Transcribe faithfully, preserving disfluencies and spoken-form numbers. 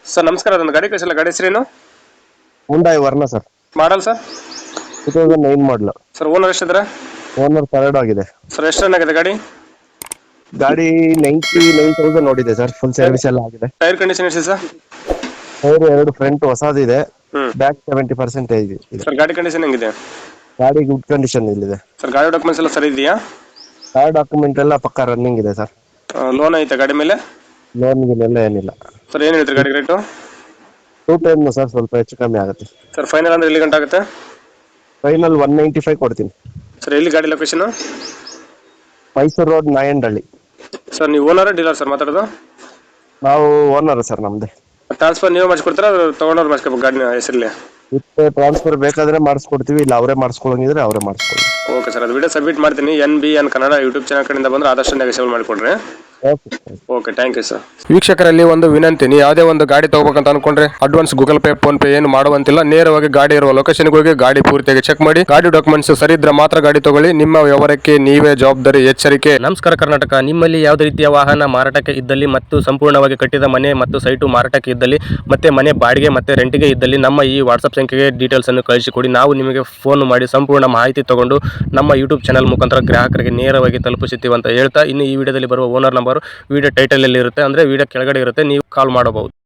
Sir ನಮಸ್ಕಾರ, ಅದೊಂದು ಗಾಡಿ ಕಳಿಸಿಲ್ಲ. ಗಾಡಿ ಹೆಸರೇನು? Hyundai Verna sir. Model sir? Two thousand nine model. Sir owner ಎಷ್ಟಿದ್ರೆ? ಓನರ್ ಥರ್ಡ್ ಆಗಿದೆ. ಸರ್ ಎಷ್ಟು ರನ್ ಆಗಿದೆ ಗಾಡಿ? ಗಾಡಿ ನೈಂಟಿ ನೈನ್ ತೌಸಂಡ್ ನೋಡಿದೆ ಸರ್. ಫುಲ್ ಸರ್ವಿಸ್ ಎಲ್ಲ ಆಗಿದೆ. ಟೈರ್ ಕಂಡೀಷನ್ ಎಷ್ಟಿದೆ ಸರ್? ಟೈರ್ ಎರಡು ಫ್ರಂಟ್ ಹೊಸದಿದೆ, ಹ್ಮ್ ಬ್ಯಾಕ್ ಸೆವೆಂಟಿ ಪರ್ಸೆಂಟೇಜ್ ಇದೆ. ಸರ್ ಗಾಡಿ ಕಂಡೀಷನ್ ಹೆಂಗಿದೆ? ಗಾಡಿ ಗುಡ್ ಕಂಡೀಷನ್ ಇಲ್ಲಿದೆ. ಸರ್ ಗಾಡಿ ಡಾಕ್ಯುಮೆಂಟ್ಸ್ ಎಲ್ಲ ಸರಿ ಇದೆಯಾ? ಕಾರ್ ಡಾಕ್ಯುಮೆಂಟ್ ಎಲ್ಲ ಪಕ್ಕ ರನ್ನಿಂಗ್ ಇದೆ ಸರ್. ಲೋನ್ ಐತೆ ಗಾಡಿ ಮೇಲೆ? ಲೋನ್ ಗಿನೆಲ್ಲ ಏನಿಲ್ಲ. ಸರ್ ಏನು ಹೇಳ್ತೀರಿ ಗಾಡಿ ರೇಟು? ಟೂ ಟೈಮ್ ಸರ್, ಸ್ವಲ್ಪ ಹೆಚ್ಚು ಕಮ್ಮಿ ಆಗುತ್ತೆ. ಸರ್ ಫೈನಲ್ ಅಂದ್ರೆ ಎಲ್ಲಿ ಗಂಟೆ ಆಗುತ್ತೆ? ಫೈನಲ್ ಒನ್ ನೈಂಟಿ ಫೈವ್ ಕೊಡ್ತೀನಿ. ಸರ್ ಎಲ್ಲಿ ಗಾಡಿ location? Mysuru road Nayandahalli. Sir ನೀವು ಓನರ್ ಡೀಲರ್ ಸರ್ ಮಾತಾಡೋದು? ನಾವು ಓನರ್ ಸರ್, ನಮ್ದೇ. ಟ್ರಾನ್ಸ್ಫರ್ ನೀವು ಮಾಡಿಸ್ಕೊಡ್ತೀರಾ, ತೊಗೊಂಡವ್ರು ಮಾಡಿಸ್ಕೋಬೇಕು ಗಾಡಿನ ಹೆಸರಲ್ಲಿ? ವಿತ್ ಟ್ರಾನ್ಸ್ಫರ್ ಬೇಕಾದ್ರೆ ಮಾಡಿಸ್ಕೊಡ್ತೀವಿ, ಇಲ್ಲ ಅವರೇ ಮಾಡಿಸ್ಕೊಳಂಗಿದ್ರೆ ಅವರೇ ಮಾಡಿಸ್ಕೊಳ್ಳಿ. ಓಕೆ ಸರ್, ಅದು ವಿಡಿಯೋ ಸಬ್ಮಿಟ್ ಮಾಡ್ತೀನಿ. N B N Kannada YouTube channel ಕಡೆಯಿಂದ ಬಂದ್ರೆ ಆದಷ್ಟು ನೆಗೆಸೇಬಲ್ ಮಾಡಿಕೊಡ್ರಿ. Okay, thank you sir. ವೀಕ್ಷಕರಲ್ಲಿ ಒಂದು ವಿನಂತಿ, ನೀವು ಯಾವುದೇ ಒಂದು ಗಾಡಿ ತಗೋಬೇಕಂತ ಅನ್ಕೊಂಡ್ರೆ advance Google Pay PhonePe ಏನು ಮಾಡುವಂತಿಲ್ಲ. ನೇರವಾಗಿ ಗಾಡಿ ಇರುವ ಲೊಕೇಶನ್ಗೆ ಹೋಗಿ ಗಾಡಿ ಪೂರ್ತಿಯಾಗಿ ಚೆಕ್ ಮಾಡಿ, ಗಾಡಿ ಡಾಕ್ಯುಮೆಂಟ್ಸ್ ಸರಿ ಇದ್ರೆ ಮಾತ್ರ ಗಾಡಿ ತಗೊಳ್ಳಿ. ನಿಮ್ಮ ವ್ಯವಹಾರಕ್ಕೆ ನೀವೇ ಜವಾಬ್ದಾರಿ. ಎಚ್ಚರಿಕೆ. ನಮಸ್ಕಾರ ಕರ್ನಾಟಕ. ನಿಮ್ಮಲ್ಲಿ ಯಾವುದೇ ರೀತಿಯ ವಾಹನ ಮಾರಾಟಕ್ಕೆ ಇದ್ದಲ್ಲಿ ಮತ್ತು ಸಂಪೂರ್ಣವಾಗಿ ಕಟ್ಟಿದ ಮನೆ ಮತ್ತು ಸೈಟು ಮಾರಾಟಕ್ಕೆ ಇದ್ದಲ್ಲಿ ಮತ್ತೆ ಮನೆ ಬಾಡಿಗೆ ಮತ್ತೆ ರೆಂಟಿಗೆ ಇದ್ದಲ್ಲಿ ನಮ್ಮ ಈ ವಾಟ್ಸ್ಆಪ್ ಸಂಖ್ಯೆಗೆ ಡೀಟೇಲ್ಸ್ ಅನ್ನು ಕಳಿಸಿಕೊಡಿ. ನಾವು ನಿಮಗೆ ಫೋನ್ ಮಾಡಿ ಸಂಪೂರ್ಣ ಮಾಹಿತಿ ತಗೊಂಡು ನಮ್ಮ ಯೂಟ್ಯೂಬ್ ಚಾನಲ್ ಮುಖಾಂತರ ಗ್ರಾಹಕರಿಗೆ ನೇರವಾಗಿ ತಲುಪಿಸುತ್ತೀವಿ ಅಂತ ಹೇಳ್ತಾ, ಇನ್ನು ಈ ವಿಡಿಯೋದಲ್ಲಿ ಬರುವ ಓನರ್ ನಂಬರ್ ವಿಡಿಯೋ ಟೈಟಲ್ ಅಲ್ಲಿ ಇರುತ್ತೆ, ಅಂದ್ರೆ ವಿಡಿಯೋ ಕೆಳಗಡೆ ಇರುತ್ತೆ, ನೀವು ಕಾಲ್ ಮಾಡಬಹುದು.